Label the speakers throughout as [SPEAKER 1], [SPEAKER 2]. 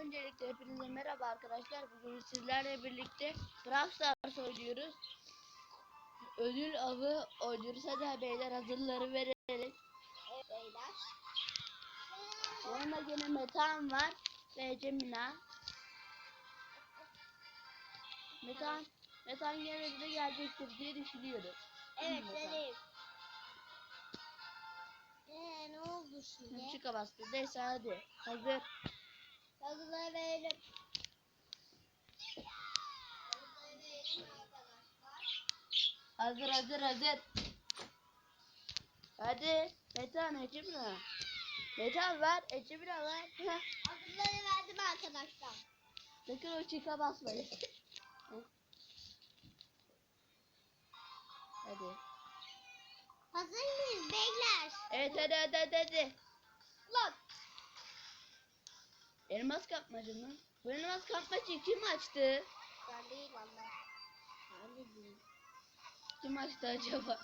[SPEAKER 1] Öncelikle hepinize merhaba arkadaşlar. Bugün sizlerle birlikte Brawl Stars oynuyoruz. Ödül avı oynuyoruz. Hadi beyler hazırları verelim.
[SPEAKER 2] Evet beyler.
[SPEAKER 1] Yanında yine Metan var ve Cemina. Metan yine bize gelecektir diye düşünüyorum.
[SPEAKER 2] Evet vereyim. Ne oldu şimdi?
[SPEAKER 1] Çıka bastı. Neyse hadi. Hazır.
[SPEAKER 2] Hazırları verelim.
[SPEAKER 1] Hazır. Hadi. Metan, Cemina. Metan ver. Cemina ver.
[SPEAKER 2] Hazırları verdim arkadaşlar.
[SPEAKER 1] Sakın o çıka basmayın. Hadi.
[SPEAKER 2] Hazır mıyız beyler?
[SPEAKER 1] Evet hadi.
[SPEAKER 2] Lan.
[SPEAKER 1] Elmas kapmacı mı? Bu elmas kapmacıyı kim açtı?
[SPEAKER 2] Ben değil valla. Ben de değil.
[SPEAKER 1] Kim açtı acaba?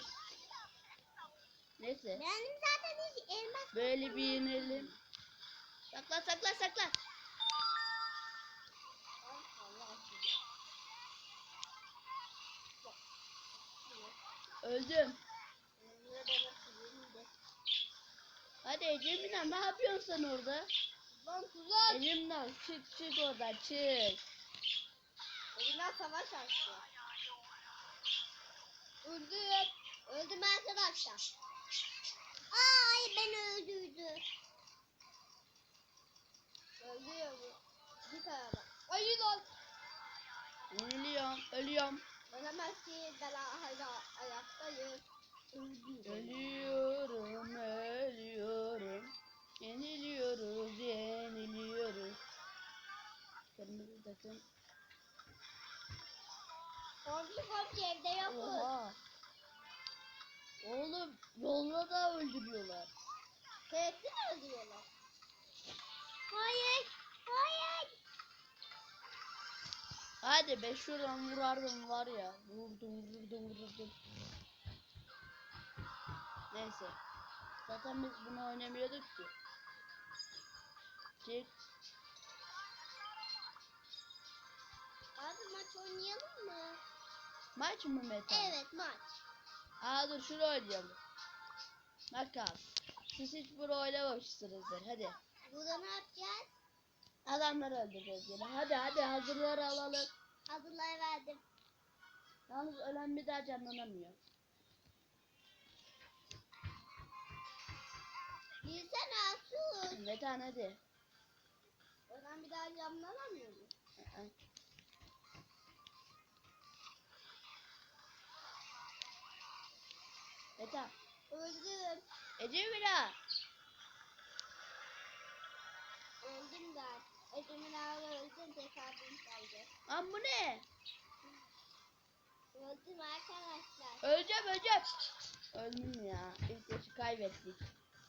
[SPEAKER 1] Neyse.
[SPEAKER 2] Benim zaten hiç elmas.
[SPEAKER 1] Böyle bir yenelim. Sakla. Öldüm. Hadi Cemina, ne yapıyorsun sen orada?
[SPEAKER 2] Lan tuzak.
[SPEAKER 1] Elimden çık oradan çık.
[SPEAKER 2] Elinden savaş açtı. Öldüm. Öldüm arkadaşlar. Ay beni öldürdü. Öldürüyor bu. Bir tarafa. Ay lan.
[SPEAKER 1] Ölüyorum.
[SPEAKER 2] Ölemez ki ben hala ayaktayım.
[SPEAKER 1] Ölüyorum. Yeniliyoruz. Kırmızı takım.
[SPEAKER 2] Komşu evde yokuz.
[SPEAKER 1] Oha. Oğlum yolda da öldürüyorlar.
[SPEAKER 2] Tehdit mi öldürüyorlar? Hayır.
[SPEAKER 1] Hadi be şuradan vurardım var ya. Vurdum. Neyse. Zaten biz bunu oynamıyorduk ki. Çık.
[SPEAKER 2] Abi maç oynayalım mı?
[SPEAKER 1] Maç mı Meta?
[SPEAKER 2] Evet maç.
[SPEAKER 1] Dur şunu oynayalım. Bakalım. Siz hiç bunu oynamamışsınızdır. Hadi.
[SPEAKER 2] Burada ne yapacağız?
[SPEAKER 1] Adamları öldüreceğiz yine. Hadi hazırları alalım.
[SPEAKER 2] Hazırlayı verdim.
[SPEAKER 1] Yalnız ölen bir daha canlanamıyor.
[SPEAKER 2] Bilsene Asus.
[SPEAKER 1] Metan hadi.
[SPEAKER 2] Oradan bir daha camlanamıyor mu?
[SPEAKER 1] Metan.
[SPEAKER 2] Öldüm.
[SPEAKER 1] Cemina.
[SPEAKER 2] Öldüm ben. Ecemin ağrı öldüm. Tesadüf kaldı.
[SPEAKER 1] Lan bu ne?
[SPEAKER 2] Öldüm arkadaşlar.
[SPEAKER 1] Öleceğim. Öldüm ya. İlk maçı kaybettik.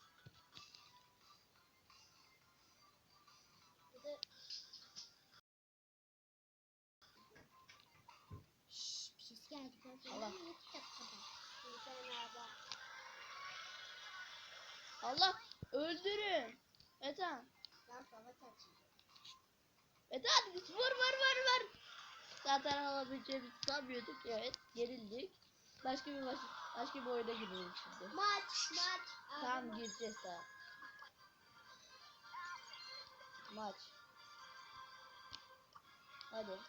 [SPEAKER 2] Bir ses geldi.
[SPEAKER 1] Allah.
[SPEAKER 2] Bir tane araba.
[SPEAKER 1] Allah. Öldürün. Metan.
[SPEAKER 2] Ben savaş açacağım.
[SPEAKER 1] Metan vur. Zaten alabileceğimizi sanmıyorduk. Evet. Gerildik. Başka bir oyuna girelim şimdi.
[SPEAKER 2] Maç.
[SPEAKER 1] Tamam gireceğiz daha. Maç. Hadi.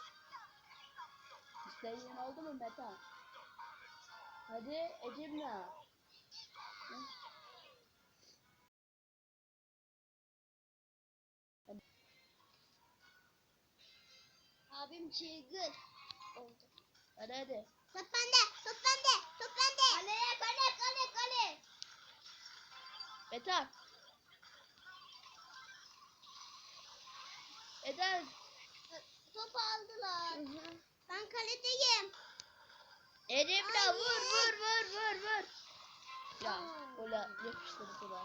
[SPEAKER 1] İstediğin oldu mu Metan? Hadi Ecemna.
[SPEAKER 2] Abim çılgın oldu.
[SPEAKER 1] Hadi.
[SPEAKER 2] Top bende. Kale.
[SPEAKER 1] Metan.
[SPEAKER 2] Top aldılar. Ben kaledeyim.
[SPEAKER 1] Ecemna vur. Ya
[SPEAKER 2] Aa.
[SPEAKER 1] ola yapıştırdılar.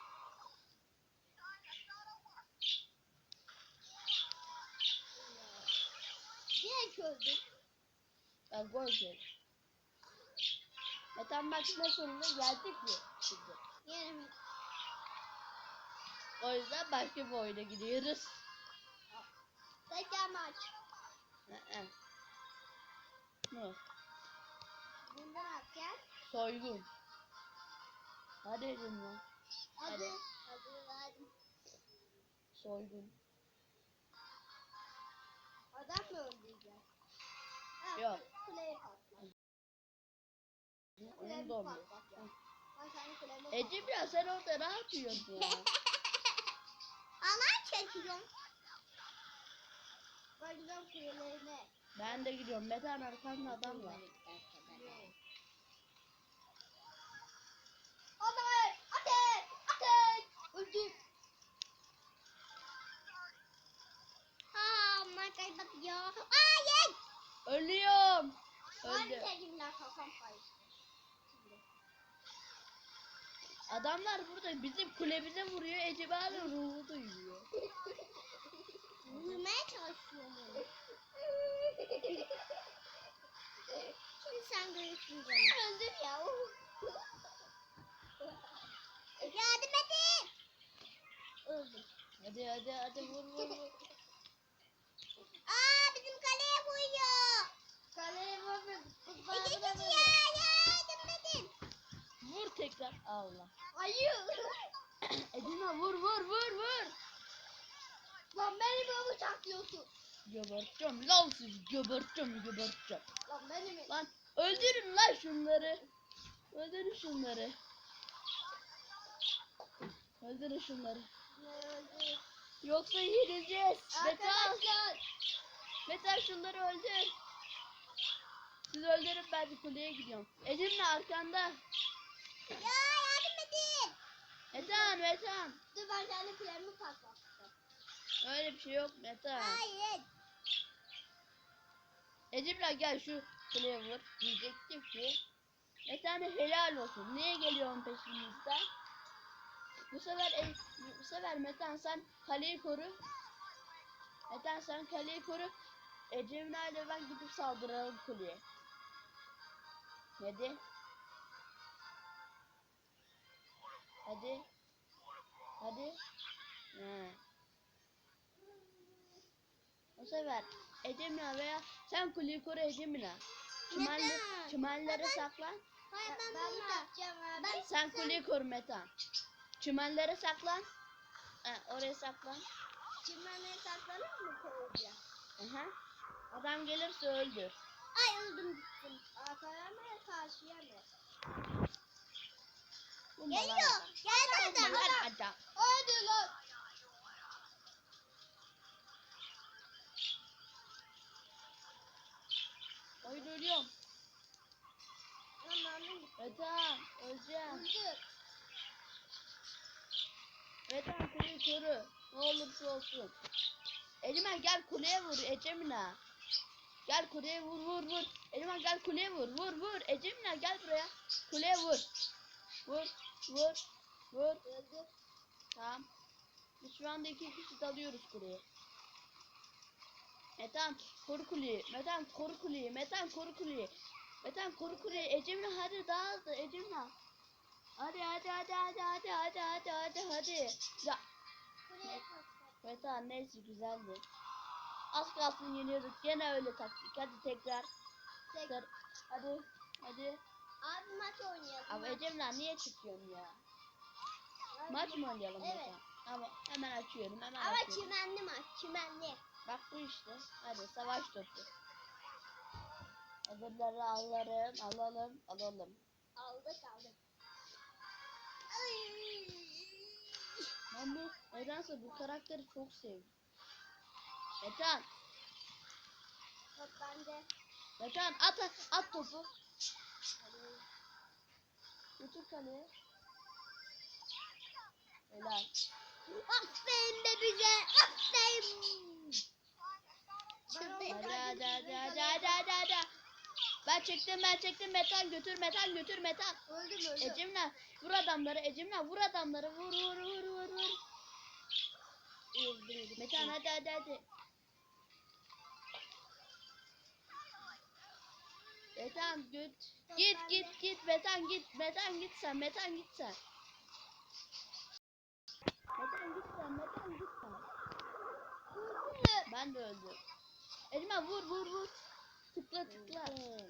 [SPEAKER 2] Direkt öldüm.
[SPEAKER 1] Ben gol yedim. Metan bak ne sonunda geldik mi? Şimdi.
[SPEAKER 2] Yerim.
[SPEAKER 1] O yüzden başka bir oyuna gidiyoruz.
[SPEAKER 2] Tekrar maç.
[SPEAKER 1] Ne?
[SPEAKER 2] Bundan atacağız.
[SPEAKER 1] Soygun. Hadi edin lan.
[SPEAKER 2] Hadi. Hadi.
[SPEAKER 1] Soygun.
[SPEAKER 2] Adam mı öldüreceğiz? Ha,
[SPEAKER 1] Yok.
[SPEAKER 2] Kuleyi patlat.
[SPEAKER 1] Onu
[SPEAKER 2] Kulemi
[SPEAKER 1] da
[SPEAKER 2] patlat ya. Ben senin kulemi
[SPEAKER 1] Ece biraz sen orada ne yapıyorsun ya?
[SPEAKER 2] Alay çekiyorum. Ben gidiyorum kulelerine.
[SPEAKER 1] Ben de gidiyorum. Metan arkanda adam var.
[SPEAKER 2] Ateş! Ateş! Ateş! Öldüm. Ha, markayı batıyor. Hayır!
[SPEAKER 1] Ölüyorum.
[SPEAKER 2] Öldü.
[SPEAKER 1] Öldü.
[SPEAKER 2] Sevgilimler kafam karıştı.
[SPEAKER 1] Adamlar burada bizim kulemize vuruyor. Ece hala ruhu duyuyor.
[SPEAKER 2] Vurmaya çalışıyorum. Şimdi sen görürsün canım. Öldüm ya. Yardım edin. Öldüm.
[SPEAKER 1] Hadi vur.
[SPEAKER 2] Aa, bizim kaleye vuruyor. Kaleye vuruyor. Yardım edin.
[SPEAKER 1] Vur tekrar. Allah.
[SPEAKER 2] Hayır.
[SPEAKER 1] Edina vur.
[SPEAKER 2] Lan beni böyle bıçaklıyorsun.
[SPEAKER 1] Geberteceğim lan sizi. Geberteceğim.
[SPEAKER 2] Lan beni mi?
[SPEAKER 1] Lan öldürün lan şunları. Öldürün şunları.
[SPEAKER 2] Öldü.
[SPEAKER 1] Yoksa yenileceğiz. Metan.
[SPEAKER 2] Arkadaşlar.
[SPEAKER 1] Metan şunları öldür. Siz öldürün, ben bir kuleye gidiyorum. Ecem'le arkanda.
[SPEAKER 2] Ya yardım edin.
[SPEAKER 1] Metan.
[SPEAKER 2] Dur ben kendi kulemi patlattım.
[SPEAKER 1] Öyle bir şey yok Metan.
[SPEAKER 2] Hayır.
[SPEAKER 1] Ecem'le gel şu kuleye vur. Diyecektim ki. Metan'a helal olsun. Niye geliyorsun peşimizden? Bu sefer Metan sen kaleyi koru. Metan sen kaleyi koru. Ecem'le ile ben gidip saldıralım kuleye. Hadi. He. O sefer Ecem'le veya sen kuleyi koru Ecem'le. Çimenlere saklan.
[SPEAKER 2] Hayır ben bunu yapacağım abi.
[SPEAKER 1] Sen kuleyi koru Metan. Çimenlere saklan. Oraya saklan.
[SPEAKER 2] Çimenleri saklanıp mı koyacağım?
[SPEAKER 1] Aha. Adam gelirse öldür.
[SPEAKER 2] Ay öldüm gittim. Arkaya mı karşıya mı? Geliyor. Geldi adam. Hadi lan.
[SPEAKER 1] Oyun ölüyorum.
[SPEAKER 2] Lan mermim gitti.
[SPEAKER 1] Metan öleceğim.
[SPEAKER 2] Öldü.
[SPEAKER 1] Metan kuleyi koru. Ne olursa olsun. Ecem gel kuleye vur Ecem'le. Gel kuleye vur. Ecem gel kuleye vur. Ecem'le gel buraya. Kuleye vur. Vur.
[SPEAKER 2] Öldü.
[SPEAKER 1] Tamam. Biz şu anda 2 kişi dalıyoruz kuleye. Metan koru kuleyi. Metan koru kuleyi. Ecem'le hadi dağıldı Ecem'le. Hadi. Ya
[SPEAKER 2] Buraya patlat.
[SPEAKER 1] Metan neyse güzeldi. Az kalsın yeniyorduk. Gene öyle taktik. Hadi tekrar. Hadi.
[SPEAKER 2] Abi maç oynayalım.
[SPEAKER 1] Ama
[SPEAKER 2] maç.
[SPEAKER 1] Ecem'le niye çıkıyorsun ya?
[SPEAKER 2] Hadi.
[SPEAKER 1] Maç mı oynayalım
[SPEAKER 2] Evet.
[SPEAKER 1] Metan? Ama hemen açıyorum.
[SPEAKER 2] Ama çimenli maç. Çimenli.
[SPEAKER 1] Bak bu işte. Hadi savaş topu. Hazırları alalım.
[SPEAKER 2] Aldık. Ay.
[SPEAKER 1] Ben nedense bu karakteri çok sevdim. Metan
[SPEAKER 2] Top bende.
[SPEAKER 1] at topu. Götür kaleye. Helal.
[SPEAKER 2] Aferin be bize. Aferin.
[SPEAKER 1] Hadi. Ben çektim. Metan götür.
[SPEAKER 2] Öldüm.
[SPEAKER 1] Ecem'le vur adamları. Vur. Metan hadi. Metan git. Metan git sen. Ben de öldüm. Ecmen vur vur vur. Tıkla tıkla.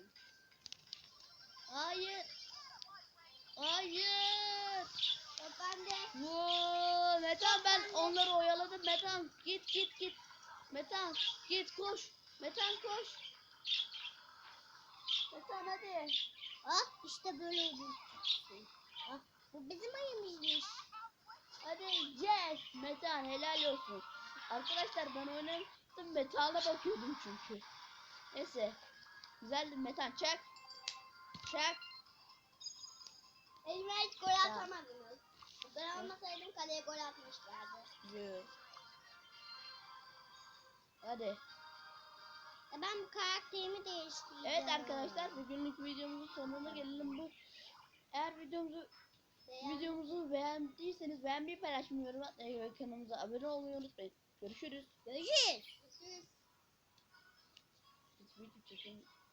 [SPEAKER 1] Hayır. Hayır.
[SPEAKER 2] Ben de.
[SPEAKER 1] Vuu. Metan ben onları oyaladım. Metan git git git. Metan git koş. Metan koş. Metan hadi.
[SPEAKER 2] Ah işte böyle oldu. Ah, bu bizim ayımızmış.
[SPEAKER 1] Hadi yes. Metan helal olsun. Arkadaşlar ben oynamıştım. Metan'a bakıyordum çünkü. Neyse. Güzeldi Metan çak. Çak.
[SPEAKER 2] Elime hiç gol
[SPEAKER 1] Tamam.
[SPEAKER 2] atamadınız. Ben olmasaydım kaleye gol atmışlardı.
[SPEAKER 1] Yürü. Hadi.
[SPEAKER 2] Ben bu karakterimi değiştireceğim.
[SPEAKER 1] Evet arkadaşlar bugünlük videomuzun sonuna gelelim. Bu eğer videomuzu beğendiyseniz beğenmeyi, paylaşmayı, yorum atmayı ve kanalımıza abone olmayı unutmayın. Görüşürüz.
[SPEAKER 2] Görüşürüz.
[SPEAKER 1] Biz video çekelim.